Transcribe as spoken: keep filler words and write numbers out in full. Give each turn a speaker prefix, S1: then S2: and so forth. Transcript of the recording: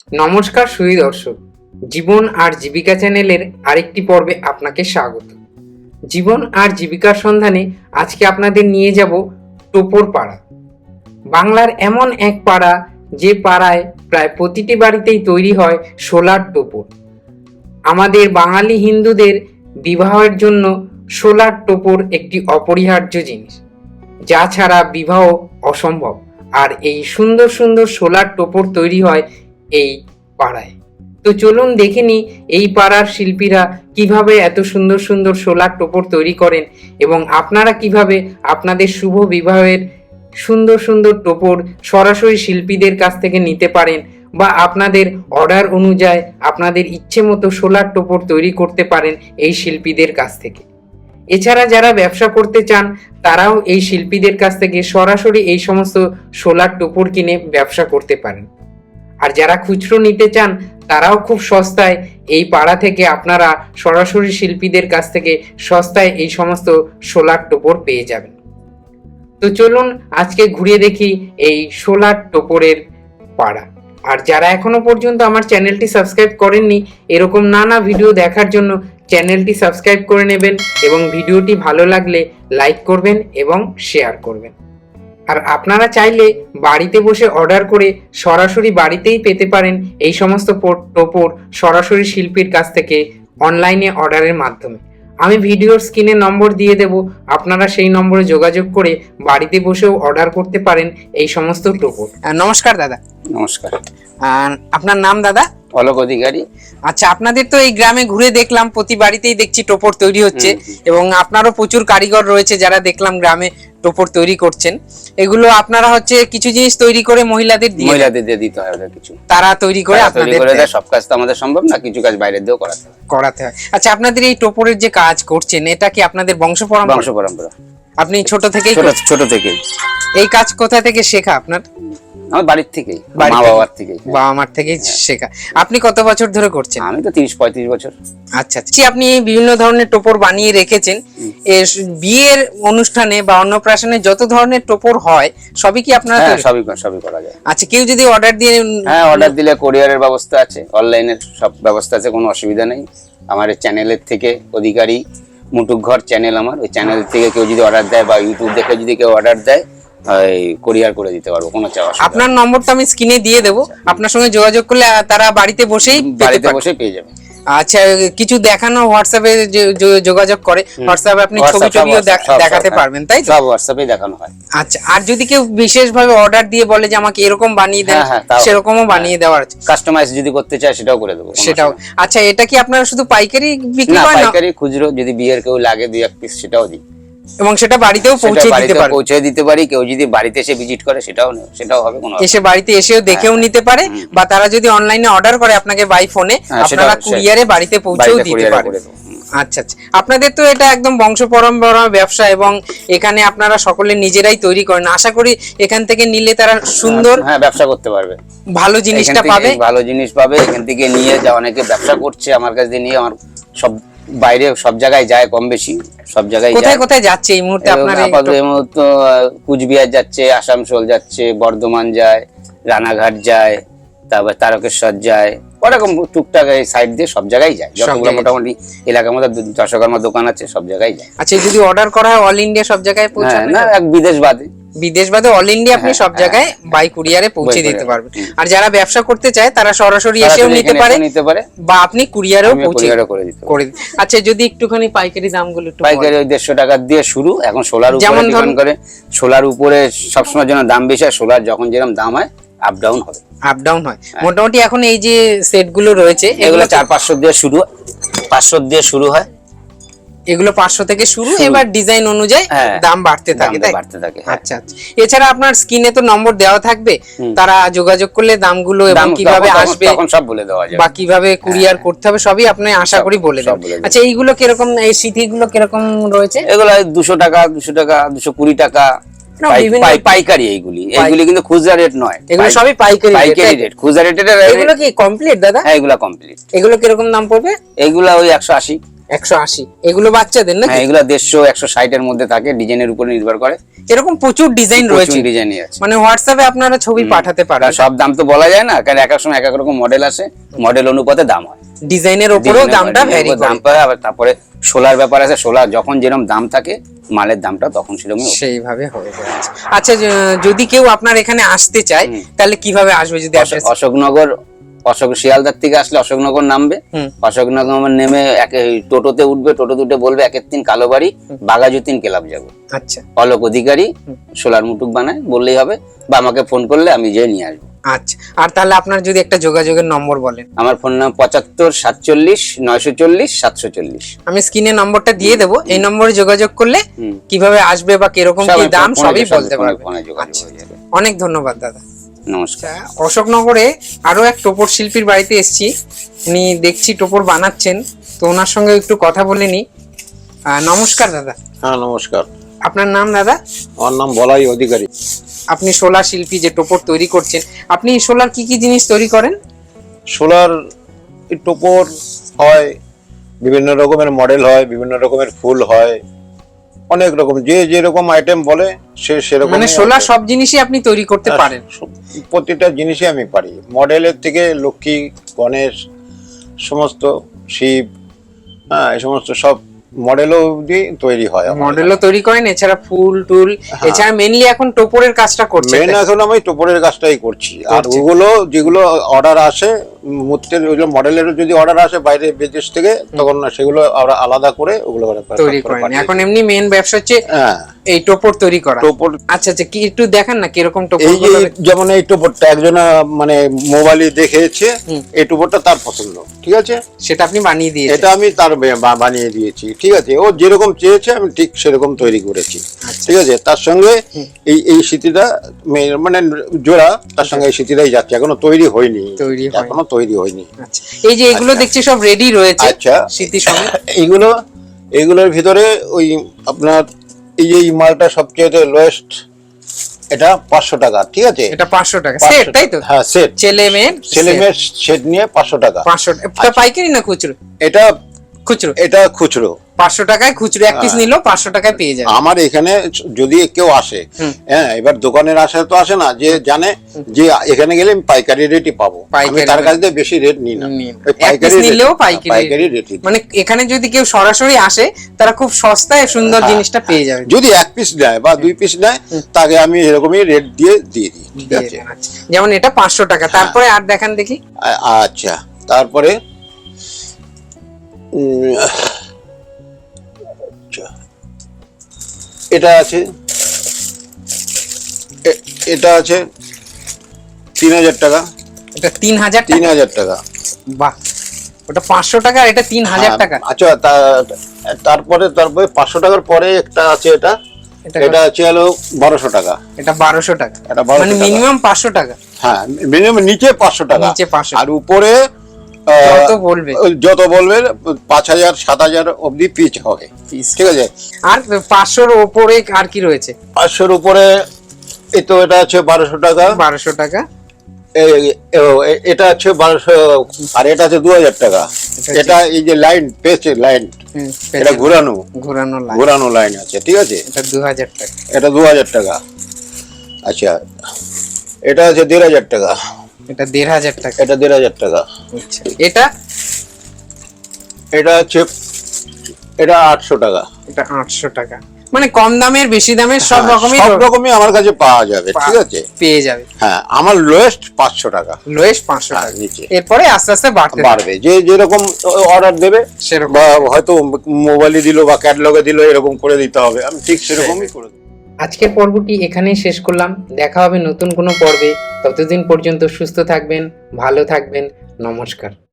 S1: নমস্কার সুধী দর্শক, জীবন আর জীবিকা চ্যানেলের আরেকটি পর্বে আপনাকে স্বাগত। জীবন আর জীবিকার সন্ধানে আজকে আপনাদের নিয়ে যাব টোপর পাড়া। বাংলার এমন এক পাড়া যে পাড়ায় প্রায় প্রতিটি বাড়িতেই তৈরি হয় সোলার টোপর। আমাদের বাঙালি হিন্দুদের বিবাহের জন্য সোলার টোপর একটি অপরিহার্য জিনিস, যা ছাড়া বিবাহ অসম্ভব। আর এই সুন্দর সুন্দর সোলার টোপর তৈরি হয় এই পাড়ায়। তো চলুন দেখে নিই এই পাড়ার শিল্পীরা কিভাবে এত সুন্দর সুন্দর সোলার টোপর তৈরি করেন এবং আপনারা কিভাবে আপনাদের শুভ বিবাহের সুন্দর সুন্দর টোপর সরাসরি শিল্পীদের কাছ থেকে নিতে পারেন বা আপনাদের অর্ডার অনুযায়ী আপনাদের ইচ্ছে মতো সোলার টোপর তৈরি করতে পারেন এই শিল্পীদের কাছ থেকে। এছাড়া যারা ব্যবসা করতে চান তারাও এই শিল্পীদের কাছ থেকে সরাসরি এই সমস্ত সোলার টোপর কিনে ব্যবসা করতে পারেন। আর যারা খুচরো নিতে চান তারাও খুব সস্তায় এই পাড়া থেকে আপনারা সরাসরি শিল্পীদের কাছ থেকে সস্তায় এই সমস্ত সোলার টোপর পেয়ে যাবেন। তো চলুন আজকে ঘুরে দেখি এই সোলার টোপরের পাড়া। আর যারা এখনো পর্যন্ত আমার চ্যানেলটি সাবস্ক্রাইব করেননি, এরকম নানা ভিডিও দেখার জন্য চ্যানেলটি সাবস্ক্রাইব করে নেবেন এবং ভিডিওটি ভালো লাগলে লাইক করবেন এবং শেয়ার করবেন। আর আপনারা চাইলে বাড়িতে বসে অর্ডার করে সরাসরি বাড়িতেই পেতে পারেন এই সমস্ত টোপর সরাসরি শিল্পীর কাছ থেকে অনলাইনে অর্ডারের মাধ্যমে। আমি ভিডিওর স্ক্রিনে নম্বর দিয়ে দেব, আপনারা সেই নম্বরে যোগাযোগ করে বাড়িতে বসেও অর্ডার করতে পারেন এই সমস্ত টোপর। নমস্কার দাদা।
S2: নমস্কার।
S1: আপনার নাম দাদা?
S2: অলোক অধিকারী।
S1: আচ্ছা, আপনাদের তো এই গ্রামে ঘুরে দেখলাম প্রতি বাড়িতেই দেখছি টোপর তৈরি হচ্ছে এবং আপনারও প্রচুর কারিগর রয়েছে যারা দেখলাম গ্রামে টোপর তৈরি করছেন। এগুলো আপনারা হচ্ছে কিছু জিনিস তৈরি করে মহিলাদের দিয়ে
S2: মহিলাদের দিয়ে দিতে হয়, ওদের কিছু
S1: তারা তৈরি করে আপনাদের
S2: দেয়। সব কাজ তো আমাদের সম্ভব না, কিছু কাজ বাইরে দিয়েও করাতে হয়
S1: করাতে হয় আচ্ছা, আপনাদের এই টোপরের যে কাজ করছেন এটা কি আপনাদের বংশ পরম্পরা?
S2: বংশ পরম্পরা।
S1: আপনি ছোট থেকেই
S2: ছোট থেকেই
S1: এই কাজ কোথা থেকে শেখা আপনার?
S2: আমার বাড়ির থেকেই, মা বাবার থেকেই।
S1: বাবা মার থেকেই শেখা। আপনি কত বছর ধরে করছেন?
S2: আমি তো তিরিশ পঁয়ত্রিশ বছর।
S1: আচ্ছা আচ্ছা, আপনি বিভিন্ন ধরনের টোপর বানিয়ে রেখেছেন। বিয়ের অনুষ্ঠানে বা অন্নপ্রাশনে যত ধরনের টোপর হয় সবই কি আপনারা?
S2: সবই সবই করা যায়।
S1: আচ্ছা, কেউ যদি অর্ডার দিয়ে?
S2: হ্যাঁ, অর্ডার দিলে কোরিয়ারের ব্যবস্থা আছে, অনলাইনের সব ব্যবস্থা আছে, কোনো অসুবিধা নেই। আমার এই চ্যানেলের থেকে অধিকারী মুটুক ঘর চ্যানেল, আমার ওই চ্যানেল থেকে কেউ যদি অর্ডার দেয় বা ইউটিউব দেখে যদি কেউ অর্ডার দেয় কোরিয়ার করে দিতে পারবো, কোনো চাওয়া।
S1: আপনার নম্বরটা আমি স্ক্রিনে দিয়ে দেবো, আপনার সঙ্গে যোগাযোগ করলে তারা বাড়িতে বসেই
S2: বাড়িতে বসে পেয়ে যাবে।
S1: আচ্ছা, কিছু দেখানো হোয়াটসঅ্যাপে যোগাযোগ করে, হোয়াটসঅ্যাপে আপনি ছবি টবিও দেখাতে পারবেন, তাই তো?
S2: সব হোয়াটসঅ্যাপে দেখানো হয়।
S1: আচ্ছা, আর যদি কেউ বিশেষভাবে অর্ডার দিয়ে বলে যে আমাকে এরকম বানিয়ে দেন, সেরকমও বানিয়ে দেওয়ার আছে।
S2: কাস্টমাইজ যদি করতে চায় সেটাও করে দেবো,
S1: সেটাও। আচ্ছা, এটা কি আপনারা শুধু পাইকারি বিক্রি করেন?
S2: না, পাইকারি, খুচরো যদি বিয়ের কেউ লাগে দুই এক পিস সেটাও দিই
S1: এবং সেটা বাড়িতেও পৌঁছে দিতে পারে,
S2: পৌঁছে দিতে পারি। কেউ যদি বাড়িতে এসে ভিজিট করে সেটাও সেটাও হবে, কোনো
S1: এসে বাড়িতে এসেও দেখেও নিতে পারে, বা তারা যদি অনলাইনে অর্ডার করে আপনাকে বাই ফোনে, আপনারা কুরিয়ারে বাড়িতে পৌঁছেও দিতে পারেন। আচ্ছা আচ্ছা, আপনাদের তো এটা একদম বংশ পরম্পরা ব্যবসা এবং এখানে আপনারা সকলে নিজেরাই তৈরি করেন। আশা করি এখান থেকে নিলে তারা সুন্দর
S2: হ্যাঁ ব্যবসা করতে পারবে,
S1: ভালো জিনিসটা পাবে,
S2: ভালো জিনিস পাবে। এখান থেকে নিয়ে যা অনেকে ব্যবসা করছে আমার কাছ থেকে নিয়ে, আমার সব বাইরে সব জায়গায় যায়, কম বেশি সব জায়গায়।
S1: কোথায় কোথায় যাচ্ছে এই মুহূর্তে আপনার?
S2: আপাতত এই মুহূর্তে কুচবিহার যাচ্ছে, আসানসোল যাচ্ছে, বর্ধমান যায়, রানাঘাট যায়, তারপর তারকেশ্বর যায়, ওরকম টুকটাক এই সাইড দিয়ে সব জায়গায় যায়। যতগুলো মোটামুটি এলাকার মধ্যে দশকর্মার দোকান আছে সব জায়গায় যায়।
S1: আচ্ছা, যদি অর্ডার করা হয় অল ইন্ডিয়া সব জায়গায় পৌঁছাবে
S2: না? এক বিদেশ বাদে,
S1: বিদেশ বাদে অল ইন্ডিয়া আপনি সব জায়গায় বাই কুরিয়ারে পৌঁছে দিতে পারবেন। আর যারা ব্যবসা করতে চায় তারা সরাসরি এসেও নিতে পারে নিতে পারে বা আপনি কুরিয়ারেও পৌঁছে করে দিতে পারেন। আচ্ছা, যদি একটুখানি পাইকারি দামগুলো একটু?
S2: পাইকারি ওই দেড়শো টাকা দিয়ে শুরু। এখন সোলার উপরে ডিপেন্ড করে, সোলার উপরে সবসময় যেন দাম বেশি হয়, সোলার যখন যেরকম দাম হয় আপ ডাউন হবে,
S1: আপ ডাউন হয়। মোটামুটি এখন এই যে সেট গুলো রয়েছে
S2: এগুলো চার পাঁচশো দিয়ে শুরু, পাঁচশো দিয়ে শুরু হয়,
S1: এগুলো পাঁচশো থেকে শুরু, এবার ডিজাইন অনুযায়ী দাম বাড়তে থাকে, তাই?
S2: বাড়তে থাকে।
S1: আচ্ছা আচ্ছা, এছাড়া আপনার স্ক্রিনে তো নম্বর দেওয়া থাকবে, তারা যোগাযোগ করলে দামগুলো এবং কিভাবে আসবে
S2: তখন সব বলে দেওয়া যাবে,
S1: বা কিভাবে কুরিয়ার করতে হবে সবই আপনি আশা করি বলে দেবেন। আচ্ছা, এইগুলো কিরকম, এই সিথিগুলো কিরকম রয়েছে?
S2: এগুলো দুশো টাকা, দুশো টাকা, দুশো কুড়ি টাকা পাইকারি। এইগুলি এইগুলি কিন্তু খুচরা রেট নয়,
S1: এগুলো সবই পাইকারি
S2: পাইকারি রেট। খুচরা রেটের
S1: এগুলো কি কমপ্লিট দাদা?
S2: হ্যাঁ, এগুলো কমপ্লিট।
S1: এগুলো কিরকম দাম পড়বে?
S2: এগুলো ওই একশো আশি।
S1: একশো আশি এগুলো বাচ্চাদের না?
S2: হ্যাঁ, এগুলো দেড়শো একশো ষাট এর মধ্যে থাকে, ডিজাইনের উপরে নির্ভর করে।
S1: এরকম প্রচুর ডিজাইন রয়েছে,
S2: ডিজাইনই আছে,
S1: মানে হোয়াটসঅ্যাপে আপনারা ছবি পাঠাতে পারেন।
S2: সব দাম তো বলা যায় না, কারণ এক এক সময় এক এক রকম মডেল আসে, মডেল অনুপাতে দাম হয়,
S1: ডিজাইনের উপরেও দামটা ভ্যারি করে।
S2: দাম পায়। আবার তারপরে সোলার ব্যাপার আছে, সোলার যখন যেরকম দাম থাকে মালের দামটা তখন সেরকম
S1: সেইভাবে হয়ে যায়। আচ্ছা, য- যদি কেউ আপনার এখানে আসতে চায় তাহলে কিভাবে আসবে? যদি আসে
S2: অশোকনগর, অশোক শিয়ালদার থেকে আসলে অশোকনগর নামবে,
S1: হুম।
S2: অশোকনগর নেমে এক টোটোতে উঠবে, টোটোতে উঠে বলবে একের তিন কালোবাড়ি বাগাজুদ্দিন ক্লাব যাবো।
S1: আচ্ছা
S2: অলোক অধিকারী সোলার মুটুক বানায় বললেই হবে, বা আমাকে ফোন করলে আমি যেয়ে নিয়ে আসবো।
S1: আচ্ছা, আর তাহলে আপনার যদি একটা যোগাযোগের নম্বর বলেন।
S2: আমার ফোন নাম পঁচাত্তর সাতচল্লিশ নয়শো চল্লিশ সাতশো চল্লিশ।
S1: আমি স্ক্রিনে নম্বরটা দিয়ে দেবো, এই নম্বরে যোগাযোগ করলে
S2: হুম।
S1: কিভাবে আসবে বা কিরকম কি
S2: সবাই
S1: দাম
S2: ফোনে-
S1: সবই
S2: সবাই
S1: বলতে
S2: ফোনে-
S1: পারবে।
S2: ফোনে যোগাযোগ
S1: আচ্ছা,
S2: হয়ে যাবে।
S1: অনেক ধন্যবাদ দাদা।
S2: নমস্কার।
S1: আচ্ছা, অশোকনগরে আরো এক টোপর শিল্পীর বাড়িতে এসেছি, উনি দেখছি টোপর বানাচ্ছেন, তো ওনার সঙ্গে একটু কথা বলে নি। আহ, নমস্কার দাদা।
S3: হ্যাঁ নমস্কার,
S1: আপনার নাম দাদা?
S3: আমার নাম বলাই অধিকারী।
S1: আপনি সোলার শিল্পী, যে টোপর তৈরি করছেন, আপনি সোলার কি কি জিনিস তৈরি করেন?
S3: সোলার টোপর হয়, বিভিন্ন রকমের মডেল হয়, বিভিন্ন রকমের ফুল হয়, অনেক রকম, যে যেরকম আইটেম বলে সে সেরকম।
S1: মানে সোলার সব জিনিসই আপনি তৈরি করতে পারেন?
S3: প্রতিটা জিনিসই আমি পারি, মডেলের থেকে লক্ষ্মী, গণেশ, সমস্ত শিব, হ্যাঁ এই সমস্ত সব মডেলও অবধি তৈরি হয়।
S1: মডেলও তৈরি করেন, এছাড়া ফুল টুল, এছাড়া মেইনলি এখন টোপরের কাজটা করছেন?
S3: মেন এখন আমি টোপরের কাজটাই করছি। আর
S1: করছেন।
S3: ওগুলো যেগুলো অর্ডার আসে মূর্তির, ওইগুলো মডেলের যদি অর্ডার আসে বাইরে বিদেশ থেকে, তখন না সেগুলো আমরা আলাদা করে ওগুলো
S1: তৈরি করেন। এখন এমনি মেইন ব্যবসা হচ্ছে
S3: হ্যাঁ
S1: এই টোপর তৈরি করা।
S3: টোপর।
S1: আচ্ছা আচ্ছা, কি একটু দেখান না কিরকম টোপর?
S3: এই যে যেমন এই টোপরটা একজনা মানে মোবাইলে দেখেছে,
S1: হুম।
S3: এই টোপরটা তার পছন্দ, ঠিক আছে,
S1: সেটা আপনি বানিয়ে দিয়েছেন?
S3: এটা আমি তার বে- বা- বানিয়ে দিয়েছি, ঠিক আছে, ও যেরকম চেয়েছে আমি ঠিক সেরকম তৈরি করেছি,
S1: আচ্ছা।
S3: ঠিক আছে। তার সঙ্গে এই এই স্মৃতিটা মে- মানে জোড়া, তার সঙ্গে এই স্মৃতিটাই যাচ্ছে, এখনো তৈরি হয়নি,
S1: তৈরি হয়নি।
S3: এখনো তৈরি হয়নি।
S1: আচ্ছা, এই যে এগুলো দেখছি সব রেডি রয়েছে,
S3: আচ্ছা,
S1: স্মৃতি সঙ্গে।
S3: এইগুলো এইগুলোর ভিতরে ওই আপনার এই যে এই মালটা সবচেয়ে লোয়েস্ট, এটা পাঁচশো টাকা, ঠিক আছে,
S1: এটা পাঁচশো টাকা
S3: পাঁচশো
S1: সেট, তাই তো?
S3: হ্যাঁ সেট,
S1: ছেলে মেয়ের
S3: ছেলে মেয়ের সেট নিয়ে পাঁচশো টাকা।
S1: পাঁচশো টাকা পাইকারি না খুচরো?
S3: এটা
S1: খুচরো।
S3: এটা খুচরো,
S1: পাঁচশো টাকায় খুচরো এক পিস নিলেও পাঁচশো টাকায় পেয়ে যাবে।
S3: আমার এখানে যদি কেউ আসে,
S1: হুম।
S3: হ্যাঁ এবার দোকানের আসে তো আসে না, যে জানে যে এখানে গেলে আমি পাইকারি রেটই পাবো, আমি
S1: পাইকারি
S3: তার
S1: rate।
S3: কাছ থেকে বেশি রেট নিই না,
S1: নিই না।
S3: ওই
S1: এক
S3: পাইকারি
S1: piece
S3: rate-
S1: নিলেও পাইকারি
S3: পাইকারি রেটই।
S1: মানে এখানে যদি কেউ সরাসরি আসে তারা খুব সস্তায় সুন্দর
S3: হ্যাঁ,
S1: জিনিসটা পেয়ে যাবে।
S3: যদি এক পিস নেয় বা দুই পিস নেয়, তাকে আমি এরকমই রেট দিয়ে দিয়ে দিই, ঠিক
S1: দিয়ে
S3: আছে।
S1: দেন, আচ্ছা। যেমন এটা পাঁচশো টাকা, তারপরে আর দেখান দেখি।
S3: আ- আচ্ছা, তারপরে উম, আচ্ছা, এটা আছে, এ- এটা আছে তিন হাজার টাকা,
S1: এটা তিন হাজার
S3: তিন
S1: টাকা?
S3: হাজার টাকা।
S1: বাহ, ওটা পাঁচশো টাকা, এটা তিন হাজার
S3: হ্যাঁ,
S1: টাকা।
S3: আচ্ছা, তা- তারপরে তারপরে পাঁচশো টাকার পরে একটা আছে, এটা
S1: এটা
S3: এটা আছে হলো বারোশো টাকা,
S1: এটা বারোশো টাকা,
S3: এটা বারোশো
S1: মানে
S3: টাকা।
S1: মিনিমাম পাঁচশো টাকা।
S3: হ্যাঁ মিনিমাম নিচে পাঁচশো টাকা,
S1: নিচে পাঁচশো।
S3: আর উপরে আহ,
S1: যত বলবে।
S3: যত বলবে পাঁচ হাজার সাত হাজার অব্দি পিচ হবে,
S1: Piece।
S3: ঠিক আছে।
S1: আর পাঁচশোর ওপরে আর কি রয়েছে?
S3: পাঁচশোর উপরে এই তো এটা আছে বারোশো টাকা,
S1: বারোশো টাকা।
S3: এ- এ- এ- এটা আছে বারোশো, আর এটা আছে দু হাজার টাকা।
S1: এটা
S3: এটা এই যে লাইন পেয়েছে, লাইন
S1: হুম,
S3: এটা ঘুরানো,
S1: ঘোরানো লাইন,
S3: ঘুরানো লাইন আছে, ঠিক আছে,
S1: এটা দু হাজার টাকা।
S3: এটা দু হাজার টাকা। আচ্ছা, এটা আছে দেড় হাজার টাকা,
S1: এটা দেড় হাজার টাকা।
S3: এটা দেড় হাজার টাকা।
S1: আচ্ছা, এটা
S3: এটা হচ্ছে এটা আটশো টাকা।
S1: এটা আটশো টাকা। মানে কম দামের বেশি দামের সব
S3: হ্যাঁ,
S1: রকমই
S3: সব রকমই আমার কাছে পাওয়া যাবে,
S1: পা-
S3: ঠিক আছে।
S1: পেয়ে যাবে।
S3: হ্যাঁ, আমার লোয়েস্ট পাঁচশো টাকা,
S1: লোয়েস্ট পাঁচশো
S3: হ্যাঁ,
S1: টাকা,
S3: নিচে।
S1: এরপরে আস্তে আস্তে বাড়তে
S3: বাড়বে, যে যেরকম অর্ডার দেবে,
S1: সেরকম।
S3: বা হয়তো মোবাইলে দিল বা ক্যাটালগে দিল, এরকম করে দিতে হবে, আমি ঠিক সেরকমই করে দেবো।
S1: আজকের পর্বটি এখানেই শেষ করলাম, দেখা হবে নতুন কোনো পর্বে। ততদিন পর্যন্ত সুস্থ থাকবেন, ভালো থাকবেন, নমস্কার।